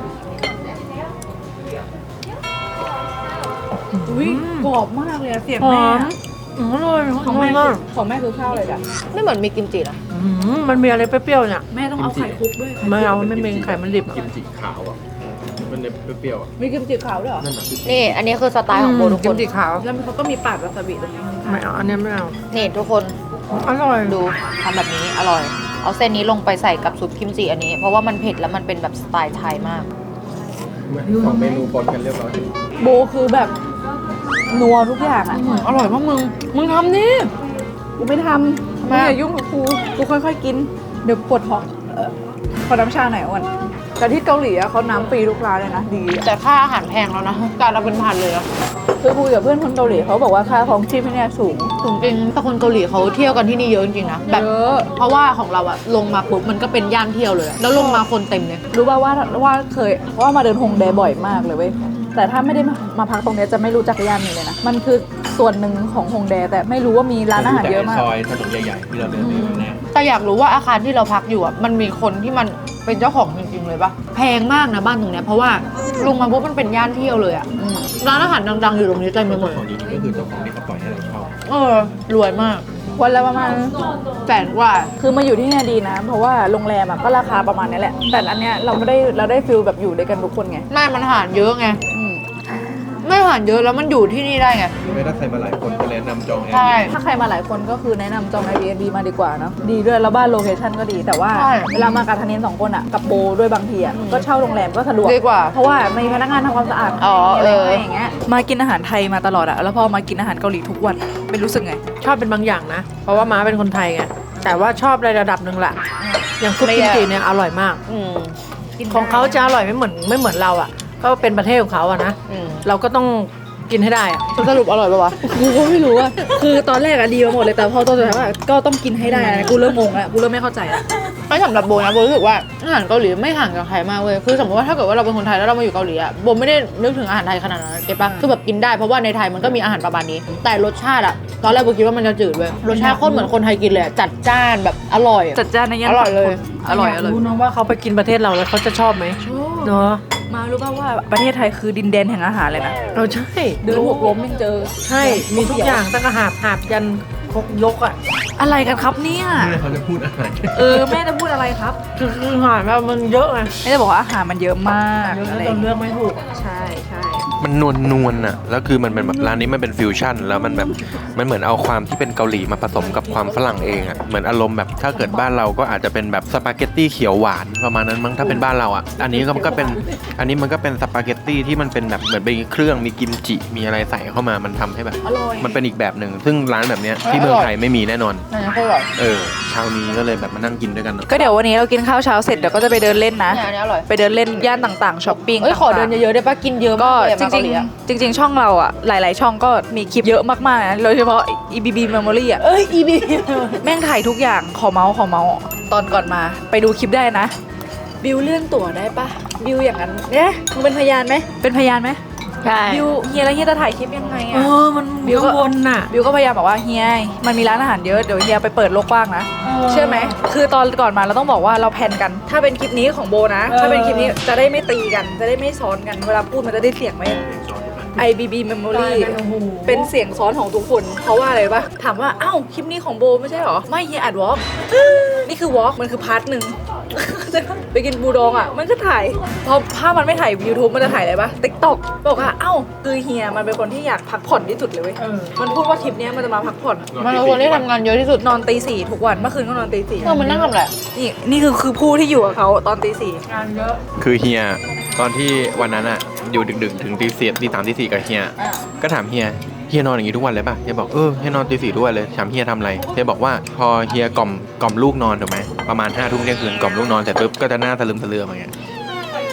Speaker 1: อุ้ยกรอบมากเลยอะเสียง
Speaker 2: หอ
Speaker 1: แม่
Speaker 2: มอร่อย
Speaker 1: ของแม่คือของแม่คือข้าวอะไรจ้ะ
Speaker 3: ไม่เหมือนมีกิมจินะ
Speaker 2: มันมีอะไรเปรี้ยวๆเนี่ย
Speaker 1: แม่ต้องเอาไข่คลุกด้วย
Speaker 2: ไม่เอาไม่เป็นไข่มันดิบ
Speaker 6: กิมจิขาวอ่ะ มันเนี่ยเปรี้ยวๆอ่ะ
Speaker 1: มีกิมจิขาวด้วยเหรอ
Speaker 6: นั่นน่ะ
Speaker 3: นี่ อันนี้คือสไตล์ของโบทุก
Speaker 2: กิ
Speaker 3: ค
Speaker 2: ม
Speaker 3: น
Speaker 2: จิขาว
Speaker 1: แล้วเขาก็มีปาดวาซาบิตรงนี้
Speaker 2: ไม่เอาอันนี้ไม่เอา
Speaker 3: นี่ทุกคน
Speaker 2: อร่อย
Speaker 3: ดูทำแบบนี้อร่อย เอาเส้นนี้ลงไปใส่กับซุปกิมจิอันนี้ เพราะว่ามันเผ็ดแล้วมันเป็นแบบสไตล์ไทยมาก
Speaker 6: สองเมนูปนกันเรียบร้อย
Speaker 1: โบคือแบบนัวทุกอย่างอ่ะ
Speaker 3: อร่อยมากมึงทำนี่
Speaker 1: กูไม่ทำมึงอย่ายุ่งกับกูค่อยๆกิน เดี๋ยวปวดท้องขอน้ำชาหน่อยอ้วนแต่ที่เกาหลีอะเขาน้ำฟรีทุกร้านเลยนะดีอะ
Speaker 3: แต่ค่าอาหารแพงแล้วนะการเอาเป็นพันเลยนะ
Speaker 1: คือคุยกับเพื่อนคนเกาหลีเขาบอกว่าค่าของชีพที่เนี่ยสูง
Speaker 3: จริงๆแต่คนเกาหลีเขาเที่ยวกันที่นี่เยอะจริงๆนะแบบ
Speaker 1: เยอะ
Speaker 3: เพราะว่าของเราอะลงมาปุ๊บมันก็เป็นย่านเที่ยวเลยอะแล้วลงมาคนเต็มเลย
Speaker 1: รู้ป่าวว่าเคยว่ามาเดินฮงแดบ่อยมากเลยเว้ยแต่ถ้าไม่ได้มาพักตรงเนี้ยจะไม่รู้จักย่านนี้เลยนะมันคือส่วนหนึ่งของฮงแดแต่ไม่รู้ว่ามีร้านอาหารเยอะมาก
Speaker 6: ซอยถนนใหญ่ๆที่เราเดินไปวันแรก
Speaker 3: แต่อยากรู้ว่าอาคารที่เราพักอยู่อะมันมีคนที่มันเป็นเจ้าของจริงๆเลยปะแพงมากนะบ้านตรงเนี้ยเพราะว่าลงมาปุ๊บมันเป็นย่านเที่ยวเลยอะร้านอาหารดังๆอยู่ตรงนี้เต็มไปหมด
Speaker 6: ของจริงๆก็คือเจ้าของที่เขาปล่อยให้เราเช่า
Speaker 3: รวยมาก
Speaker 1: วันละประมาณ
Speaker 3: แสนกว่า
Speaker 1: คือมาอยู่ที่เนี่ยดีนะ เพราะว่าโรงแรมอะก็ราคาประมาณนี้แหละ แต่อันเนี้ยเราได้ฟิลแบบอยู่ด้วยกันทุกคนไง
Speaker 3: ไม่มันอาหารเยอะไง
Speaker 1: อืม
Speaker 3: ไม่อาหารเยอะแล้วมันอยู่ที่นี่ได้ไง
Speaker 6: ไม่ถ้าใครมาหลายคนก็แนะนำจองแอร์
Speaker 3: ใช่
Speaker 1: ถ้าใครมาหลายคนก็คือแนะนำจอง Airbnb มาดีกว่าเนาะดีด้วยแล้วบ้านโลเคชั่นก็ดีแต่ว่า
Speaker 3: ใช่
Speaker 1: เวลามากับทันเนนสองคนอะกับโบด้วยบางทีอะก็เช่าโรงแรมก็สะดวก
Speaker 3: ดีกว่า
Speaker 1: เพราะว่ามีพนักงานทำความสะอาด
Speaker 3: อ๋อ
Speaker 1: มีอะไร
Speaker 3: เออ
Speaker 1: ให้อย่างเงี้ยมากินอาหารไทยมาตลอดอะแล้วพอมากินอาหารเกาหลีทุกวันเป็นรู้สึกไง
Speaker 2: ชอบเป็นบางอย่างนะ เพราะว่าม้าเป็นคนไทยไง แต่ว่าชอบในระดับหนึ่งแหละ อย่างซุปกิมจิเนี่ยอร่อยมาก
Speaker 3: อืม
Speaker 2: ของเขาจะอร่อยไม่เหมือนเราอ่ะ ก็เป็นประเทศของเขาอะนะ
Speaker 3: อืม
Speaker 2: เราก็ต้องกินให้ได้อะ
Speaker 3: สรุปอร่อยปะวะ
Speaker 1: กูก็ไม่รู้อะคือตอนแรกอะดีมาหมดเลยแต่พอตอนสุดท้ายว่าก็ต้องกินให้ได้นะกูเริ่มงงแล้วกูเริ่มไม่เข้าใจแล้ว
Speaker 3: ไม่สำหรับโบนะโบรู้สึกว่าอาหารเกาหลีไม่ห่างจากไทยมากเว้ยคือสมมติว่าถ้าเกิดว่าเราเป็นคนไทยแล้วเรามาอยู่เกาหลีอะโบไม่ได้นึกถึงอาหารไทยขนาดนั้นเก็ตปะคือแบบกินได้เพราะว่าในไทยมันก็มีอาหารประมาณนี้ แต่รสชาติอะตอนแรกโบคิดว่ามันจะจืดเว้ยรสชาติโคตรเหมือนคนไทยกินเลยอะจัดจ้านแบบอร่อยอะ
Speaker 1: จัดจ้านในย่าน
Speaker 3: อร่อยเลย
Speaker 1: อร่อย
Speaker 2: รู้นะว่าเขาไปกินประเทศเราแล้วเขาจะชอบไหมเนาะ
Speaker 1: มารู้ป่าวว่าประเทศไทยคือดินแดนแห่งอาหารเลยนะ
Speaker 2: เราใช่
Speaker 1: เดินหกล้มยังเจอ
Speaker 2: ใช่ มีทุกอย่างตั้งแต่หาบยันครกยกอ่ะ
Speaker 1: อะไรกันครับเนี่ย
Speaker 6: นี่เขาจะพูดอาหาร
Speaker 1: แม่จะพูดอะไรครับ
Speaker 2: คือหาแบบมันเยอะไง
Speaker 1: แม่จะบอกว่าอาหารมันเยอะมาก
Speaker 2: เยอะ
Speaker 1: อะไร
Speaker 2: จนเลือกไม่ถูก
Speaker 1: ใช่ใช่
Speaker 5: มันนวลๆน่ะแล้วคือมันเป็นแบบร้านนี้มันเป็นฟิวชั่นแล้วมันแบบมันเหมือนเอาความที่เป็นเกาหลีมาผสมกับความฝรั่งเองอ่ะเหมือนอารมณ์แบบถ้าเกิดบ้านเราก็อาจจะเป็นแบบสปาเกตตี้เขียวหวานประมาณนั้นมั้งถ้าเป็นบ้านเราอ่ะอันนี้ก็เป็นอันนี้มันก็เป็นสปาเกตตี้ที่มันเป็นแบบเหมือนเป็นเครื่องมีกิมจิมีอะไรใส่เข้ามามันทำให้แบบ
Speaker 1: อร่อย
Speaker 5: มันเป็นอีกแบบหนึ่งซึ่งร้านแบบเนี้ยที่เมืองไทยไม่มีแน่นอน
Speaker 3: อันนี้โคตรอร่อย
Speaker 5: เช้านี้ก็เลยแบบมานั่งกินด้วยกันเนอะ
Speaker 1: ก็เดี๋ยววันนี้เรากินข้าวเช้าเสร็จเดี๋ยวก็จะไปเดินเล่นนะ
Speaker 3: เนี่ยอันนี้อร่อย
Speaker 1: ไปเดินเล่นย่านต่างๆช้อปปิ้ง
Speaker 3: เอ้ยขอเดินเยอะๆได้ปะกินเยอะ
Speaker 1: ก็
Speaker 3: มากเลยอะ
Speaker 1: จ
Speaker 3: มาเกา
Speaker 1: ริง
Speaker 3: หลีอะ
Speaker 1: ๆจริง ๆ ช่องเราอ่ะหลายๆช่องก็มีคลิปเยอะมากๆนะโดยเฉพาะ EBB Memory อ่ะ
Speaker 3: EB
Speaker 1: แม่งถ่ายทุกอย่างขอเมาส์ตอนก่อนมาไปดูคลิปได้นะบิวเลื่อนตั๋วได้ปะบิวอย่างนั้นเนี่ยมึงเป็นพยานไหมเป็นพยานไหม
Speaker 3: ใช่
Speaker 1: บิวเฮียแล้วเฮียจะถ่ายคลิปยังไง
Speaker 2: เอ
Speaker 1: อะ
Speaker 2: อ มันข้างบนน่ะ
Speaker 1: บิวก็พยายามบอกว่าเฮียมันมีร้านอาหารเยอะเดี๋ยวเฮียไปเปิดโลกกว้างนะเชื่อไหมคือตอนก่อนมาเราต้องบอกว่าเราแพลนกัน ถ้าเป็นคลิปนี้ของโบนะ ถ้าเป็นคลิปนี้จะได้ไม่ตีกันจะได้ไม่ซ้อนกันเวลาพูดมันจะได้เสียงไม่ IBB Memory
Speaker 2: โอ้โห
Speaker 1: เป็นเสียงซ้อนของทุกคน เพราะว่าอะไรปะถามว่าอ้าวคลิปนี้ของโบไม่ใช่หรอไม่เฮียอัดวอล์กนี่คือวอล์กมันคือพาร์ทหนึ่ง ไปกินบูดองอ่ะมันก็ถ่ายพอถ้ามันไม่ถ่าย YouTube มันจะถ่ายอะไรปะ TikTok บอกว่าเอ้าคือเฮียมันเป็นคนที่อยากพักผ่อนที่สุดเลยเว้ยมันพูดว่าคลิปเนี้ยมันจะมาพักผ่อน
Speaker 3: มันเป็นคนที่ทำงานเยอะที่สุด
Speaker 1: นอนตี 4ทุกวันเมื่อคืนก็นอนตี 4
Speaker 3: มันนั่งทำอะไร
Speaker 1: นี่คือผู้ที่อยู่กับเขาตอนตี 4
Speaker 2: งานเยอะ
Speaker 5: คือเฮียตอนที่วันนั้นอ่ะอยู่ดึกๆถึงตีสี่ตีสามตีสี่กับเฮียก็ถามเฮียนอนอย่างนี้ทุกวันเลยป่ะเฮียบอกเฮียนอนตีสี่ทุกวันเลยถามเฮียทำอะไรเฮียบอกว่าพอเฮียกล่อมลูกนอนถูกไหมประมาณ5 ทุ่มเที่ยงคืนกล่อมลูกนอนเสร็จปุ๊บก็จะหน้าสลึมสลืออย่างเงี้ย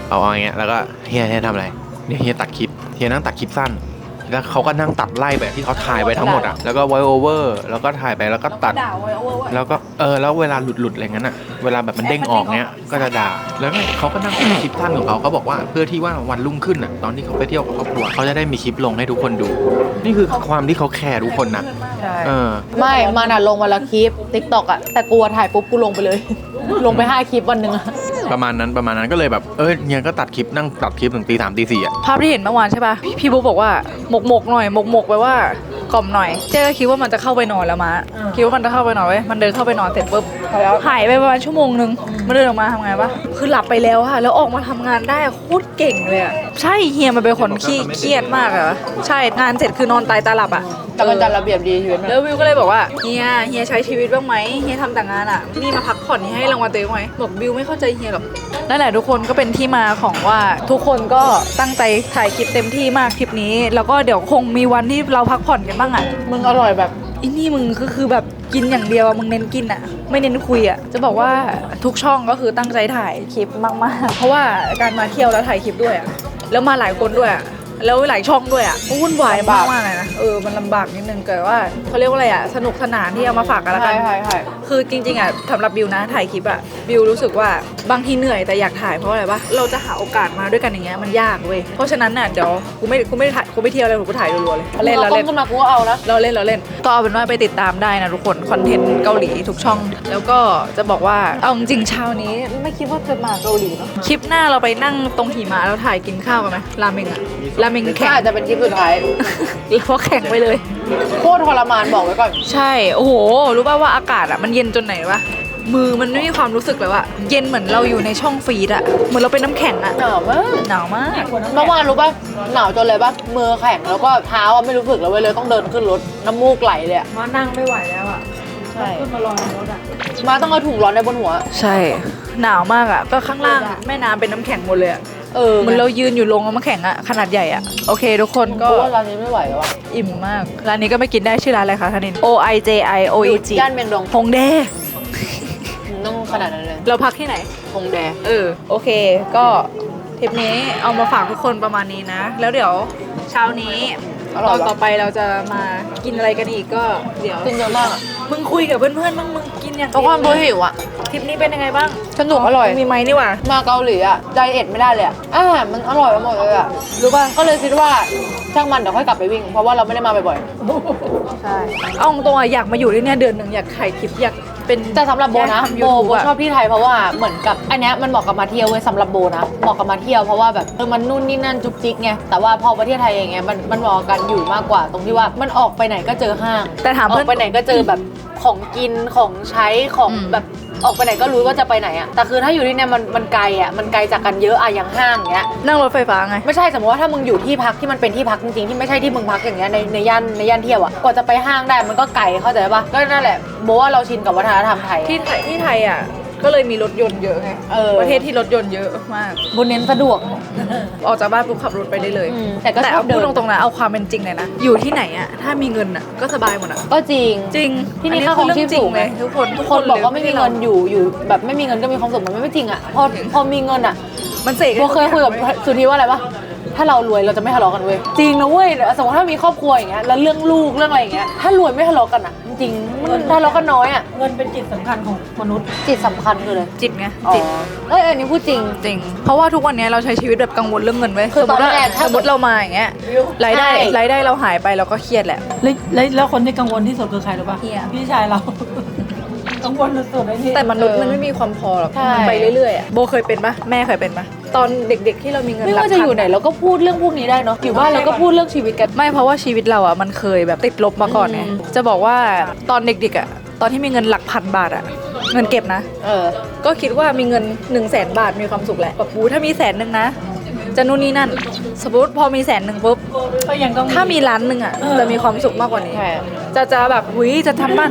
Speaker 5: เอาอย่างเงี้ยแล้วก็เฮียทำอะไรเนี่ยเฮียตัดคลิปเฮียนั่งตัดคลิปสั้นแล้วเขาก็นั่งตัดไล่แบบที่เขาถ่ายไว้ทั้งหมดอ่ะแล้วก็ไวโอเวอร์แล้วก็ถ่ายไปแล้วก็ตัด
Speaker 1: ด่าไว้ว่า
Speaker 5: แล้วก็แล้วเวลาหลุดอะไรเงี้ยน่ะเวลาแบบมันเด้งออกเนี้ยก็จะด่าแล้วเนี่ยเขาก็นั่งตัดคลิปสั้นของเขาบอกว่าเพื่อที่ว่าวันรุ่งขึ้นอ่ะตอนที่เขาไปเที่ยวกับครอบครัวเขาจะได้มีคลิปลงให้ทุกคนดู นี่คือความที่เขาแคร์ทุกคนนะ
Speaker 3: ใช่
Speaker 5: เออ
Speaker 3: ไม่มันอะลงวันละคลิป TikTok อะแต่กูถ่ายปุ๊บกูลงไปเลย ลงไป5คลิปวันหนึ่งอะ
Speaker 5: ประมาณนั้นก็เลยแบบเนี่ยก็ตัดคลิปนั่งตัดคลิปถึงตี 3ตี 4อ่ะ
Speaker 1: ภาพที่เห็นเมื่อวานใช่ป่ะพี่บุ๊กบอกว่าหมกหน่อยหมกไปว่ากล่อมหน่อยเจ๊ก็คิดว่ามันจะเข้าไปนอนแล้วมะคิดว่ามันจะเข้าไปนอนไว้มันเดินเข้าไปนอนเสร็จปุ๊บหายไปประมาณชั่วโมงนึงมันเดินออกมาทำไงปะคือหลับไปแล้วค่ะแล้วออกมาทำงานได้โคตรเก่งเลยอะใช่เฮียมันเป็นคนขี้เครียดมากอะใช่งานเสร็จคือนอนตายตาหลับอะ
Speaker 3: แต่มันจัดระเบียบดีชีวิตมัน
Speaker 1: แล้ววิวก็เลยบอกว่าเฮียใช้ชีวิตบ้างไหมเฮียทำแต่งานอ่ะนี่มาพักผ่อนให้รางวัลตัวเองไหมบอกวิวไม่เข้าใจเฮียหรอกนั่นแหละทุกคนก็เป็นที่มาของว่าทุกคนก็ตั้งใจถ่ายคลิปเต็มที่มากคลิปนี้ แล้วก็เดี๋ยวคงมีวันที่เราพักผ่อนกันบ้างอ่ะ
Speaker 3: มึงอร่อยแบบ
Speaker 1: อีนี่มึงก็คือแบบกินอย่างเดียวอะมึงเน้นกินอ่ะไม่เน้นคุยอ่ะจะบอกว่าทุกช่องก็คือตั้งใจถ่ายคลิปมากๆเพราะว่าการมาเที่ยวแล้วถ่ายคลิปด้วยอ่ะแล้วมาหลายคนด้วยอ่ะแล้วหลายช่องด้วยอ่ะวุ่นวายมากเลยนะมันลำบากนิดนึงแต่ว่าเขาเรียกว่าอะไรอ่ะสนุกสนานที่เอามาฝากกันละกัน
Speaker 3: ใช่
Speaker 1: คือจริงๆอ่ะสำหรับบิวนะถ่ายคลิปอ่ะบิวรู้สึกว่าบางทีเหนื่อยแต่อยากถ่ายเพราะอะไรปะเราจะหาโอกาสมาด้วยกันอย่างเงี้ยมันยากเว้ยเพราะฉะนั้นน่ะเดี๋ยวกูไม่ถ่ายกูไม่เที่ยวเลยกูถ่ายรัวๆเลย
Speaker 3: เล่น
Speaker 1: เรา
Speaker 3: ต้
Speaker 1: เล่
Speaker 3: ม
Speaker 1: น
Speaker 3: ขึ้นมากูก็เอานะ
Speaker 1: เราเล่นก็เอาเป็นว่าไปติดตามได้นะทุกคนคอนเทนต์เกาหลีทุกช่อง แล้วก็จะบอกว่าเอาจริงๆเช้านี้ไม่คิดว่าจะมาเกาหลีเนาะคลิปหน้าเราไปนั่งตรงหิมะแล้วถ่ายกินข้าวกันไหมราเมงอะราเมง
Speaker 3: ก็
Speaker 1: แข็ง
Speaker 3: อาจจะเป็นคลิปสุดท้าย
Speaker 1: เพราะแข็งไปเลย
Speaker 3: โคตรทรมานบอกไว้ก่อน
Speaker 1: ใช่ โอ้โห รู้ป่าวว่าอากาศอ่ะมันเย็นจนไหนวะ มือมันไม่มีความรู้สึกเลยว่าเย็นเหมือนเราอยู่ในช่องฟรีดอ่ะ เหมือนเราเป็นน้ำแข็งอ่ะ
Speaker 3: หนาวมาก
Speaker 1: หนาวมาก
Speaker 3: เมื่อวานรู้ป่ะหนาวจนเลยป่ะมือแข็งแล้วก็เท้าอะไม่รู้สึกแล้วเว้ยเลยต้องเดินขึ้นรถน้ำมูกไหลเลยอะ
Speaker 2: มานั่งไม่ไหวแล้วอ่ะ
Speaker 3: ใช่
Speaker 2: ขึ้นมารอในรถอ่ะ
Speaker 3: มาต้องเอาถุงร้อนในบนหัว
Speaker 1: ใช่ หนาวมากอ่ะ ก็ข้างล่างแม่น้ำเป็นน้ำแข็งหมดเลยอ่ะ เหมือนเรายืนอยู่ลงน้ำแข็งอ่ะ ขนาดใหญ่อ่ะ โอเค ทุกคน
Speaker 3: ก็
Speaker 1: ก็
Speaker 3: ว่าร้านนี้ไม่ไหวแล้วอะ
Speaker 1: อิ่มมาก ร้านนี้ก็ไม่กินได้ชื่อร้านอะไรคะธนิน O I J I O E G
Speaker 3: ย่านเมียงดง
Speaker 1: ฮงแด
Speaker 3: ต้องขนาดนั้นเลย
Speaker 1: เราพักที่ไหน
Speaker 3: คงแด
Speaker 1: โอเค ก็ทริปนี้เอามาฝากทุกคนประมาณนี้นะ แล้วเดี๋ยวเช้านี้ตอนต่อไปเราจะมากินอะไรกันอีกก็เดี๋ยว
Speaker 3: กินเยอะมากอะ
Speaker 1: มึงคุยกับเพื่อนๆบ้างมึงกินอย่าง
Speaker 3: ก็ความ
Speaker 1: เล
Speaker 3: รู้หิวอะ
Speaker 1: ทริปนี้เป็นยังไงบ้าง
Speaker 3: สนุกอร่อย
Speaker 1: มีไหมนี่หว่า
Speaker 3: มาเกาหลีอะไดเอทไม่ได้เลยอะอาหารมันอร่อยไปหมดเลยอะ
Speaker 1: รู้ป่ะ
Speaker 3: ก็เลยคิดว่าช่างมันเดี๋ยวค่อยกลับไปวิ่ง เพราะว่าเราไม่ได้มาบ่อย
Speaker 1: ใช่เอาตรงๆอะอยากมาอยู่ที่เนี่ยเดือนหนึ่งอยากถ่ายคลิปอยากเป็น
Speaker 3: ๆแต่สำหรับโบนะ
Speaker 1: ทำ
Speaker 3: โบ
Speaker 1: YouTube
Speaker 3: โบชอบที่ไทยเพราะว่าเหมือนกับอันเนี้ยมันเหมาะกับมาเที่ยวเว้ยสำหรับโบนะเหมาะกับมาเที่ยวเพราะว่าแบบมันนู่นนี่นั่นจุกจิกไงแต่ว่าพอประเทศไทยเองไงมันเหมาะกับกันอยู่มากกว่า ตรงที่ว่ามันออกไปไหนก็เจอห้าง
Speaker 1: แต่ถาม
Speaker 3: อ
Speaker 1: เพื่
Speaker 3: อ
Speaker 1: อน
Speaker 3: กไปไหนก็เจอแบบของกินของใช้ของ
Speaker 1: อืม
Speaker 3: แบบออกไปไหนก็รู้ว่าจะไปไหนอะแต่คือถ้าอยู่ที่เนี่ยมันไกลอะมันไกลจากกันเยอะอะอย่างห้างเงี้ย
Speaker 1: นั่งรถไฟฟ้าไง
Speaker 3: ไม่ใช่สมมติว่าถ้ามึงอยู่ที่พักที่มันเป็นที่พักจริงๆที่ไม่ใช่ที่มึงพักอย่างเงี้ยในย่านเที่ยวอะกว่าจะไปห้างได้มันก็ไกลเข้าใจปะก็นั่นแหละโบว่าเราชินกับวัฒนธรรมไทย
Speaker 1: ที่ไทยอ่ะก็เลยมีรถยนต์เยอะไง ประเทศที่รถยนต์เยอะมาก
Speaker 3: บนเน้นสะดวก
Speaker 1: ออกจากบ้านปุ๊บขับรถไปได้เลย
Speaker 3: แต่ก็ชอ
Speaker 1: เอา
Speaker 3: บเดิ
Speaker 1: พูด
Speaker 3: น
Speaker 1: ตรงๆนะเอาความเป็นจริงเลยนะอยู่ที่ไหนอ่ะถ้ามีเงินอ่ะก็สบายหมดอ่ะ
Speaker 3: ก็จริง
Speaker 1: จริง
Speaker 3: ที่นี่
Speaker 1: อั
Speaker 3: ค่าของชีพสูง
Speaker 1: เลยทุกคน
Speaker 3: ทุกคนบอกว่าไม่มีเงินอยู่แบบไม่มีเงินก็มีความสุขมันไม่จริงอะพอมีเงินอะ
Speaker 1: มันเสก
Speaker 3: โบเคยคุยกับสุธีว่าอะไรปะถ้าเรารวยเราจะไม่ทะเลาะกันเว้ยจริงนะเว้ยสมมติถ้ามีครอบครัวอย่างเงี้ยแล้วเรื่องลูกเรื่องอะไรอย่างเงี้ยถ้ารวยไม่ทะเลาะกันอะจริงๆมันทะเลาะกันน้อยอะ
Speaker 2: เงินเป็นจิตสำคัญของมนุษย์
Speaker 3: จิตสำคัญคือเลย
Speaker 1: จิตไง
Speaker 3: อ๋อ
Speaker 1: จิต
Speaker 3: อันนี้พูดจริง
Speaker 1: จริง เพราะว่าทุกวันนี้เราใช้ชีวิตแบบกังวลเรื่องเงินไว้ย
Speaker 3: คือ
Speaker 1: สมมติว่า
Speaker 3: ตอนแรกถ้า
Speaker 1: สมมติเรามาอย่างเงี้ยรายได้
Speaker 3: ใช่
Speaker 1: รายได้เราหายไปเราก็เครียดแหละ
Speaker 2: แล้วคนที่กังวลที่สุดคือใครรู้ป่ะ
Speaker 1: เฮีย
Speaker 2: พี่ชายเรา กังวลสุดๆเลยพี่
Speaker 1: แต่มนุษย์มันไม่มีความพอหรอก
Speaker 3: ใช่
Speaker 1: มันไปเรื่อยๆอะโบเคยเป็นปะแม่เคยเป็นปะตอนเด็กๆที่เรามีเงิน
Speaker 3: ไม่
Speaker 1: หลัก
Speaker 3: ว่าจะ
Speaker 1: พัน
Speaker 3: อยู่ไหนเราก็พูดเรื่องพวกนี้ได้เนาะอยู่บ้านเราก็พูดเรื่องชีวิตกัน
Speaker 1: ไม่เพราะว่าชีวิตเราอ่ะมันเคยแบบติดลบมาก่อนไง
Speaker 3: อืม
Speaker 1: จะบอกว่าตอนเด็กๆอ่ะตอนที่มีเงินหลักพันบาทอ่ะเงินเก็บนะ ก็คิดว่ามีเงิน 100,000 บาทมีความสุขแหละแบบปูถ้ามี100,000นะจะนู่นนี่นั่น สมมติพอมี100,000ปุ๊บ
Speaker 2: ก็ยังต้อง
Speaker 1: ถ้ามี1,000,000อ่ะจะมีความสุขมากกว่านี้
Speaker 3: ใช่
Speaker 1: จะแบบหุยจะทำบ้านพ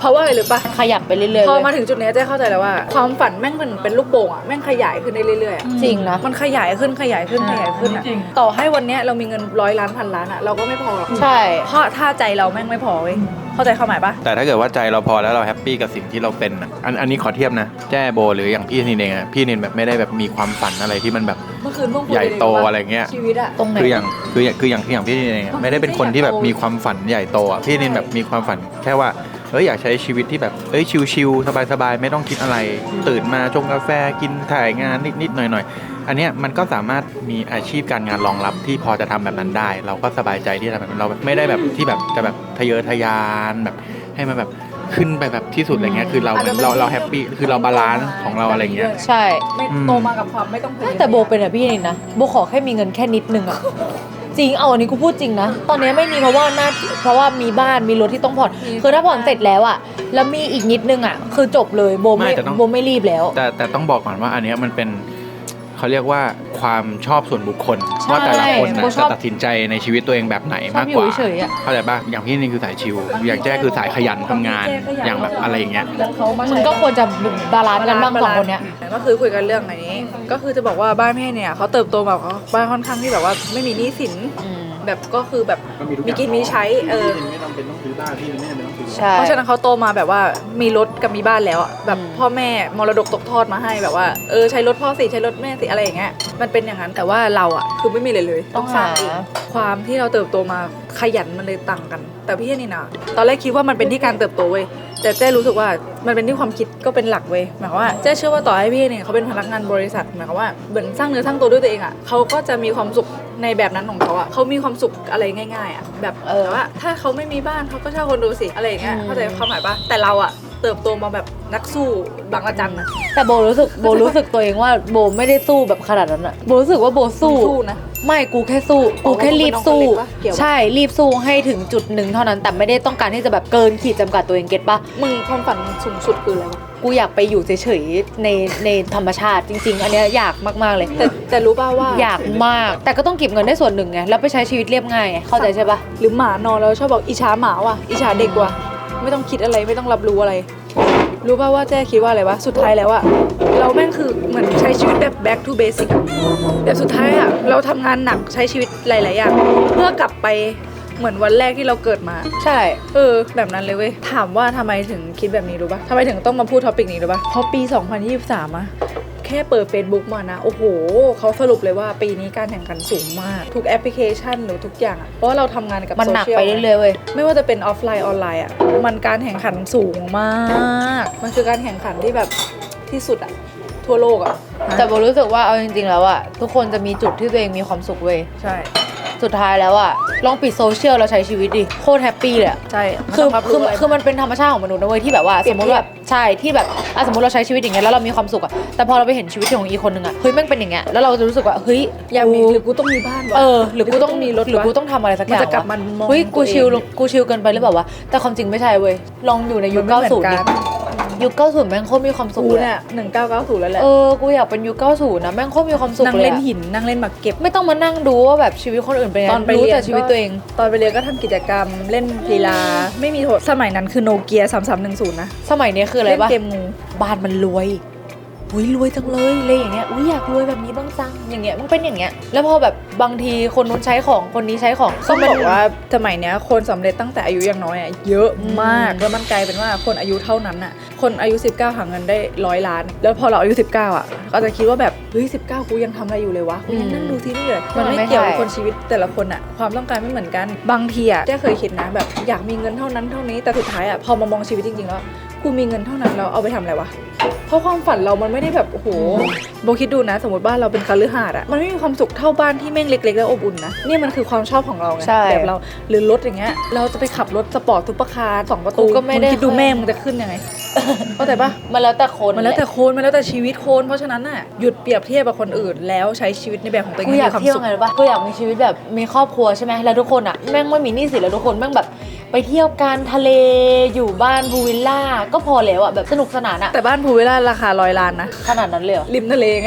Speaker 1: เพราะว่าอะไรหรือปะ
Speaker 3: ขยับไปเรื่อยๆ
Speaker 1: พอ
Speaker 3: เว้ย
Speaker 1: มาถึงจุดเนี้ยเจ๊เข้าใจแล้วว่าความฝันแม่งเป็นลูกโป่งอะแม่งขยายขึ้นได้เรื่อยๆอะ
Speaker 3: จริงนะ
Speaker 1: มันขยายขึ้นขยายขึ้นขยายขึ้นอะต่อให้วันเนี้ยเรามีเงิน100 ล้านพันล้านอะเราก็ไม่พอหรอก
Speaker 3: ใช่
Speaker 1: เพราะถ้าใจเราแม่งไม่พอเว้ยเข้าใจความหมายปะ
Speaker 5: แต่ถ้าเกิดว่าใจเราพอแล้วเราแฮปปี้กับสิ่งที่เราเป็นอะอันนี้ขอเทียบนะแจ้โบหรืออย่างพี่นินเองอะพี่นินแบบไม่ได้แบบมีความฝันอะไรที่มันแบบ
Speaker 1: เมื่อคืนเพิ่งคุย
Speaker 5: ใหญ่โต
Speaker 1: กัน
Speaker 5: อะไรเงี้ย
Speaker 1: ชีวิตอะ
Speaker 3: ตรงไหน
Speaker 5: คืออย่างพี่นินเองอะไม่ได้เป็นคนที่แบบมีความฝันใหญ่โตอะพี่นินแบบมีความฝันแค่ว่าอยากใช้ชีวิตที่แบบชิลๆสบายๆไม่ต้องคิดอะไร ตื่นมาชงกาแฟกินถ่ายงานนิดๆหน่อยๆอันเนี้ยมันก็สามารถมีอาชีพการงานรองรับที่พอจะทำแบบนั้นได้ เราก็สบายใจที่จะทำแบบนั้นเราแบบไม่ได้แบบที่แบบจะแบบทะเยอทะยานแบบให้มันแบบขึ้นไปแบบที่สุดอะไรเงี้ยคือเราแฮปปี้คือเราบาลานซ์ของเราอะไรเงี้ย
Speaker 3: ใช่
Speaker 1: ไม่โตมากับความไม่ต้องพยายาม
Speaker 3: แต่โบเป็นอะพี่นินนะโบขอแค่มีเงินแค่นิดนึงอะจริงเอาอันนี้กูพูดจริงนะตอนนี้ไม่มีเพราะว่ามีบ้านมีรถที่ต้องผ่อนคือถ้าผ่อนเสร็จแล้วอะแล้วมีอีกนิดนึงอะคือจบเลยโบ
Speaker 5: ไม่แต่ต้อง
Speaker 3: โบไม่รีบแล้ว
Speaker 5: แต่ต้องบอกก่อนว่าอันเนี้ยมันเป็นเขาเรียกว่าความชอบส่วนบุคคล
Speaker 3: ใช่
Speaker 5: ว่าแต่ละคนนะ
Speaker 3: โบช
Speaker 5: จะ
Speaker 3: อบ
Speaker 5: ตัดสินใจในชีวิตตัวเองแบบไหน
Speaker 3: ชอบ
Speaker 5: มากกว่า
Speaker 3: อยู่เฉยๆอะ
Speaker 5: เข้าใจป่ะอย่างพี่นี่คือสายชิลอย่างแจ้คือสายขยันทำงานอย่างแบบอะไรอย่างเงี้ย
Speaker 1: แล้วเขามา
Speaker 3: มันก็ควรจะบาลานซ์กันบ้างสองคนเนี้ย
Speaker 1: ก็คือคุยกันเรื่องอันนี้ ก็คือจะบอกว่าบ้านพี่เนี่ยเขาเติบโตแบบบ้านค่อนข้างที่แบบว่าไม่มีหนี้สิน แบบก็คือแบบมีกินมีใช้
Speaker 6: ไม่จำเป็นต้องซื้อบ้านพี่ไม่จำเป็นต้องซื้อ
Speaker 3: ใช่
Speaker 1: เพราะฉะนั้นเขาโตมาแบบว่ามีรถกับมีบ้านแล้วอะแบบพ่อแม่มรดกตกทอดมาให้แบบว่าใช้รถพ่อสิใช้รถแม่สิอะไรอย่างเงี้ยมันเป็นอย่างนั้นแต่ว่าเราอะคือไม่มีเลย
Speaker 3: ต้อง
Speaker 1: สร้าง
Speaker 3: หา
Speaker 1: เองความที่เราเติบโตมาขยันมันเลยต่างกัน แต่พี่นี่นะตอนแรกคิดว่ามันเป็นที่การเติบโตเว้ยแต่เจ้รู้สึกว่ามันเป็นที่ความคิดก็เป็นหลักเว้ยหมายความว่าเจ้เชื่อว่าต่อให้พี่เนี่ยเขาเป็นพนักงานบริษัทหมายความว่าเหมือนสร้างเนื้อสร้างตัวด้วยตัวเองอะเขาก็จะมีความสุขในแบบนั้นของเขาอะเขามีความสุขอะไรง่ายๆอะแบบว่าถ้าเขาไม่มีบ้านเขาก็เช่าคอนโดสิอะไรอย่างเงี้ยเข้าใจความหมายปะแต่เราอะเติบโตมาแบบนักสู้บางระจันนะ
Speaker 3: แต่โบรู้สึกตัวเองว่าโบไม่ได้สู้แบบขนาดนั้นอะโบรู้สึกว่าโบสู้
Speaker 1: สู้นะ
Speaker 3: ไม่กูแค่สู้กูแค่รีบสู้
Speaker 1: อ๋อเกี่ยวปะ
Speaker 3: ใช่รีบสู้ให้ถึงจุดหนึ่งเท่านั้นแต่ไม่ได้ต้องการที่จะแบบเกินขีดจำกัดตัวเองเก็ตปะ
Speaker 1: มึงความฝันสูงสุดคืออะไรวะ
Speaker 3: กูอยากไปอยู่เฉยๆในธรรมชาติจริง ๆ อันเนี้ยอยากมากๆเลย
Speaker 1: แต่รู้ป่าวว่า
Speaker 3: อยากมากแต่ก็ต้องเก็บเงินได้ส่วนหนึ่งไงแล้วไปใช้ชีวิตเรียบง่ายไงเข้าใจใช่ปะ
Speaker 1: หรือหมานอนแล้วชอบบอกอิจฉาหมาว่ะอิจฉาเด็กว่ะไม่ต้องคิดอะไรไม่ต้องรับรู้อะไร รู้ป่าวว่าเจ๊คิดว่าอะไรวะสุดท้ายแล้วอะเราแม่งคือเหมือนใช้ชีวิตแบบ back to basic อะแบบสุดท้ายอะเราทำงานหนักใช้ชีวิตหลายๆอย่างเพื่อกลับไปเหมือนวันแรกที่เราเกิดมา
Speaker 3: ใช่
Speaker 1: แบบนั้นเลยเว้ยถามว่าทำไมถึงคิดแบบนี้รู้ป่ะทำไมถึงต้องมาพูดท็อปิกนี้รู้ป่ะเพราะปี 2023อะแค่เปิด Facebook มานะโอ้โหเขาสรุปเลยว่าปีนี้การแข่งขันสูงมากทุกแอปพลิเคชันหรือทุกอย่างอะเพราะว่าเราทำงานกับ
Speaker 3: มันหนัก
Speaker 1: โซชียล
Speaker 3: ไปเรื่อยๆเว้ย
Speaker 1: ไม่ว่าจะเป็นออฟไลน์ออนไลน์อ่ะมันการแข่งขันสูงมากมันคือการแข่งขันที่แบบที่สุดอ่ะทั่วโลกอ่ะ
Speaker 3: แต่โบรู้สึกว่าเอาจริงๆแล้วอะทุกคนจะมีจุดที่ตัวเองมีความสุขเว้ย
Speaker 1: ใช่
Speaker 3: สุดท้ายแล้วอะลองปิดโซเชียลแล้วใช้ชีวิตดิโคตรแฮปปี้เลยอะ
Speaker 1: ใช่
Speaker 3: คือมันเป็นธรรมชาติของมนุษย์นะเว้ยที่แบบว่าสมมติแบบใช่ที่แบบสมมติเราใช้ชีวิตอย่างเงี้ยแล้วเรามีความสุขอะแต่พอเราไปเห็นชีวิตของอีกคนนึงอะเฮ้ยแม่งเป็นอย่างเงี้ยแล้วเราจะรู้สึกว่าเฮ้ย
Speaker 1: อยากมีหรือกูต้องมีบ้านวะ
Speaker 3: หรือกูต้อง
Speaker 1: มีรถ
Speaker 3: หรือกูต้องทำอะไรสักอย่าง
Speaker 1: มันจะกลับ
Speaker 3: วะ
Speaker 1: มันมอง
Speaker 3: เฮ้ยกู
Speaker 1: ตัวเอง
Speaker 3: ชิลเกินไปหรือเปล่าวะแต่ความจริงไม่ใช่เว้ยลองอยู่ในยุค
Speaker 1: มันไม่เหมือน
Speaker 3: 90
Speaker 1: กั
Speaker 3: ดิ
Speaker 1: น
Speaker 3: ยุค90แม่งโคตรมีความสุข
Speaker 1: กู
Speaker 3: เลย
Speaker 1: เนี่ย1990แล้วแหละ
Speaker 3: กูอยากเป็นยุค90นะแม่งโคตรมีความสุข
Speaker 1: นั่ง
Speaker 3: เลย
Speaker 1: เล่น
Speaker 3: อะ
Speaker 1: หินนั่งเล่นหมากเก็บ
Speaker 3: ไม่ต้องมานั่งดูว่าแบบชีวิตคนอื่นเป็นยัง
Speaker 1: ต
Speaker 3: ไง
Speaker 1: อนไป
Speaker 3: รู้
Speaker 1: เรียน
Speaker 3: แต่ชีวิตตัวเอง
Speaker 1: ตอนไปเรียนก็ทำกิจกรรมเล่นกีฬาไม่มีโทษสมัยนั้นคือโนเกีย3310นะ
Speaker 3: สมัยนี้คืออะไร
Speaker 1: เล่น
Speaker 3: ปะ
Speaker 1: เกมงู
Speaker 3: บ้านมันรวยอุ้ยรวยจังเลยเลยอย่างเงี้ยอุ้ยอยากรวยแบบนี้บ้างจังอย่างเงี้ยมันเป็นอย่างเงี้ยแล้วพอแบบบางทีคนนู้นใช้ของคนนี้ใช้ของ
Speaker 1: ต้องบอกว่าสมัยเนี้ยคนสำเร็จตั้งแต่อายุยังน้อยอ่ะเยอะมากแล้วมันกลายเป็นว่าคนอายุเท่านั้นอ่ะคนอายุ19หาเงินได้100 ล้าน แล้วพอเราอายุ19อ่ะก็จะคิดว่าแบบเฮ้ย19กูยังทำอะไรอยู่เลยวะกูยังนั่งดูทีวีเลยมันไม่เกี่ยวกับคนชีวิตแต่ละคนอ่ะความต้องการไม่เหมือนกันบางทีอ่ะเจ๊เคยคิดนะแบบอยากมีเงินเท่านั้นเท่านี้แต่สุดท้ายอ่ะพอมามองชีวิตจริงๆแล้วกูมีเงินเท่านั้นแล้วเอาไปทำอะไรวะเพราะความฝันเรามันไม่ได้แบบโอ้โหโบคิดดูนะสมมติบ้านเราเป็นคฤหาสน์อ่ะมันไม่มีความสุขเท่าบ้านที่แม่งเล็กๆแล้วอบอุ่นนะนี่มันคือความชอบของเราไง
Speaker 3: ใช่
Speaker 1: แบบเราหรือรถอย่างเงี้ยเราจะไปขับรถสปอร์ตซุปเปอร์คาร์2 ประตู
Speaker 3: กูก็ไม่ได้
Speaker 1: งคิดดูแม่มึงจะขึ้นยังไง เข้าใจปะ
Speaker 3: มันแล้วแต่คน
Speaker 1: มันแล้วแต่คนมันแล้วแต่ชีวิตคนเพราะฉะนั้นน่ะหยุดเปรียบเทียบกับคนอื่น แล้วใช้ชีวิตในแบบของตัวเอง
Speaker 3: กูอยาก
Speaker 1: ให้มี
Speaker 3: เที่ยว
Speaker 1: ความสุข
Speaker 3: ไงรู้ปะกูอยากมีชีวิตแบบมีครอบครัวใช่ไหมแล้วทุกคนอ่ะแม่งไม่มีหนี้สินแล้วทุกคนแม่งแบบไปเที่ยวกันทะเลอยู่บ้านพูลวิลล่าก็พอแล้วอ่ะแบบสนุกสนานอ่ะ
Speaker 1: แต่บ้านภูวิลล่าราคา100 ล้านนะ
Speaker 3: ขนาดนั้นเลยเหรอ
Speaker 1: ริมทะเลไง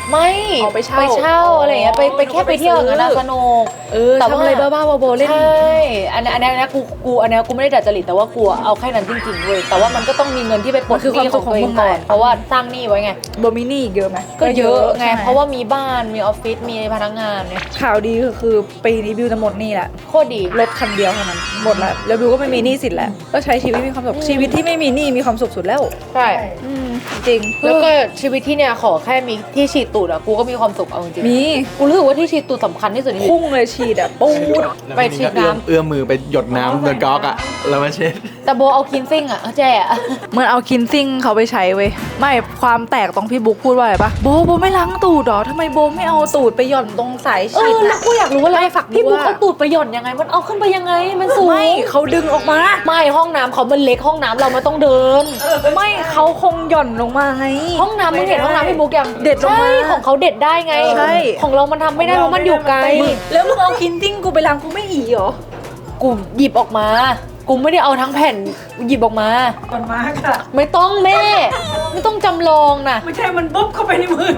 Speaker 3: ไม่
Speaker 1: เอาไปเช่า
Speaker 3: อะไรอย่างเงี้ยไปแค่ไปเที่ยวอย่างนั้นอะสนุก แต่ว่า
Speaker 1: ทำอะไรบ้าๆบอๆเล่น
Speaker 3: ใช่อันนี้กูอันนี้กูไม่ได้ดัดจริตแต่ว่ากูเอาแค่นั้นจริงๆเว้ยแต่ว่ามันก็ต้องมีเงินที่ไปปลด
Speaker 1: มันคือ
Speaker 3: หนี้
Speaker 1: ความสุข
Speaker 3: ของตัวเอ
Speaker 1: ของมึ
Speaker 3: ง
Speaker 1: ง
Speaker 3: ก่อน
Speaker 1: แหละ
Speaker 3: เพราะว่าสร้างหนี้ไว้ไง
Speaker 1: โบมินี่เยอะไหม
Speaker 3: ก็เยอะไง
Speaker 1: ใช่
Speaker 3: เพราะว่ามีบ้านมีออฟฟิศมีพนักงานเนี่ย
Speaker 1: ข่าวดีคือปีนี้บิวจะหมดหนี่แหละ
Speaker 3: โคตรดี
Speaker 1: รถคันเดียวเท่านั้นหมดแล้วแล้วบิวก็ไม่มีหนี้สินแล้วก็ใช้ชีวิตมีความสุขชีวิตที่ไม่มีหนี้มีความสุขสุดแล้ว
Speaker 3: ใช่
Speaker 1: จริง
Speaker 3: แล้วก็ชีวิตที่เนี่ยขอแค่มีที่ฉีดตูดอะกูก็มีความสุขเอาจริงๆ
Speaker 1: มี
Speaker 3: กูรู้สึกว่าที่ฉีดตูดสำคัญที่สุดในชีวิต
Speaker 1: พุ่งเลยฉีดอ่ะปูด
Speaker 3: ไปฉีดน้ำ
Speaker 5: เอื้อมมือไปหยดน้ำโดนก๊อกอ่ะแล้วมาเช็ด
Speaker 3: แต่โบเอาคินซิ่งอะเอาแจ้อะ
Speaker 1: เหมือนเอาคินซิ่งเขาไปใช้เว้ยไม่ความแตกตรงพี่บุ๊กพูดว่าอะไรปะโบไม่ล้างตูดหรอทำไมโบไม่เอาตูดไปหย่อนตรงสาย
Speaker 3: เอ
Speaker 1: ฉีด
Speaker 3: อแล้ว
Speaker 1: นะ
Speaker 3: กูอยากรู้ว่า
Speaker 1: ไม่ฝักบัว
Speaker 3: พี่บุ๊กเอาตูดไปหย่อนยังไง มันเอาขึ้นไปยังไงมันสูง
Speaker 1: ไม่เขาดึงออกมา
Speaker 3: ไม่ห้องน้ำเขามันเล็กห้องน้ำเรามันต้องเดิน
Speaker 1: ไม่เขาคงหย่อนลงมาไง
Speaker 3: ห้องน้ำมึงเห็นห้องน้ำพี่บุ๊กยัง
Speaker 1: เด็ดลงมา
Speaker 3: ใช่ของเขาเด็ดได้ไง
Speaker 1: ใช่
Speaker 3: ของเรามันทำไม่ได้เพราะมันอยู่ไกล
Speaker 1: แล้วมึงเอาคินซิ่งกูไปล้างกูไม่อีเหรอ
Speaker 3: กูหยิบออกมา กูไม่ได้เอาทั้งแผ่นหยิบออกมา
Speaker 1: มันมากอะ
Speaker 3: ไม่ต้องแม่ ไม่ต้องจำลองนะ
Speaker 1: ไม่ใช่มันบุ๊บเข้าไปในมือ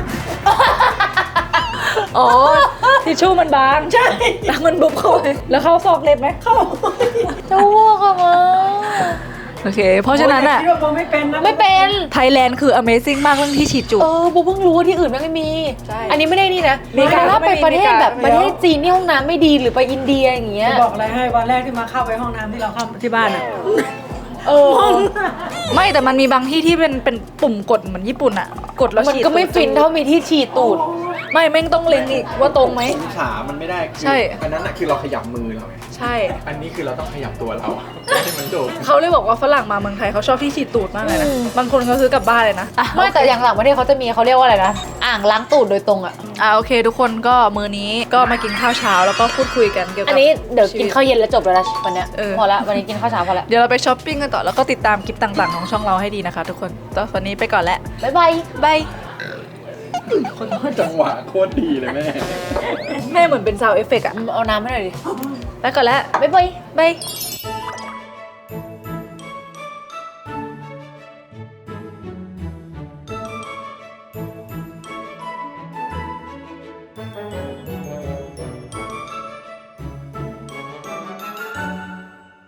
Speaker 1: อ๋อทิชชู่มันบางใช่แล้วมันบุ๊บเข้าไปแล้วเข้าซอกเล็บไหมเข้า
Speaker 3: จะอ้วกอะมา
Speaker 1: โอเค เพราะฉะนั้นอะ
Speaker 3: ไม่เป็น
Speaker 1: ไทยแลนด์คือ Amazing มากเรื่องที่ฉีดจุก
Speaker 3: บูเพิ่งรู้ว่าที่อื่นไม่มี
Speaker 1: ใช่
Speaker 3: อันนี้ไม่ได้นี่นะ
Speaker 1: มีการ
Speaker 3: ถ้าไปประเทศแบบ
Speaker 1: มีการ
Speaker 3: ประเทศจีนที่ห้องน้ำไม่ดีหรือไปอินเดียอย่างเงี้ย
Speaker 2: บอกอะไรให้วันแรกที่มาเข้าไปห้องน้ำที่เราเข้าที่บ้านอ่ะ
Speaker 3: เออ
Speaker 1: ไม่แต่มันมีบางที่ที่เป็นปุ่มกดเหมือนญี่ปุ่นอะกดแล้ว
Speaker 3: มัน
Speaker 1: ฉีด
Speaker 3: ก็ไม่ฟินเท่ามีที่ฉีดตูด
Speaker 1: ไม่แม่งต้องเล็งอีกว่าตรงไหม
Speaker 5: องศามันไม่ได้คือ
Speaker 1: ใช่
Speaker 5: อันนั้นน่ะคือเราขยับมือเราไง
Speaker 1: ใช่
Speaker 5: อันนี้คือเราต้องขยับตัวเราให้มันโดด
Speaker 1: เขาเลยบอกว่าฝรั่งมาเมืองไทยเขาชอบที่ฉีดตูดมากเลยนะ บางคนเขาซื้อกลับบ้านเลยนะ
Speaker 3: ไม่แต่อย่างต่างประเทศเขาจะมีเขาเรียกว่าอะไรนะ อ่างล้างตูดโดยตรงอ่ะ
Speaker 1: โอเค ทุกคนก็มื้อนี้ก็มากินข้าวเช้าแล้วก็พูดคุยกันเกี่ยวกับ
Speaker 3: อันนี้เดี๋ยวกิน
Speaker 1: ชีวิต
Speaker 3: ข้าวเย็นแล้วจบแล้วนะวันเนี้ย
Speaker 1: เออ
Speaker 3: พอละวันนี้กินข้าวเช้าพอละ
Speaker 1: เดี๋ยวเราไปช้อปปิ้งกันต่อแล้วก็ติดตามคลิปต่างๆของช่องเราให้ดีนะคะทุกคนตอนวันนี้ไปก่อนแล้ว
Speaker 3: บ๊ายบาย
Speaker 1: บาย
Speaker 5: จังหวะโคตรดีเลยแม่
Speaker 1: แม่เหมือนเป็นซาวเอฟเฟกต์อะ
Speaker 3: เอาน้ำให้หน่อยดิ
Speaker 1: ไปก่อนแล้ว
Speaker 3: บ๊ายบาย
Speaker 1: บาย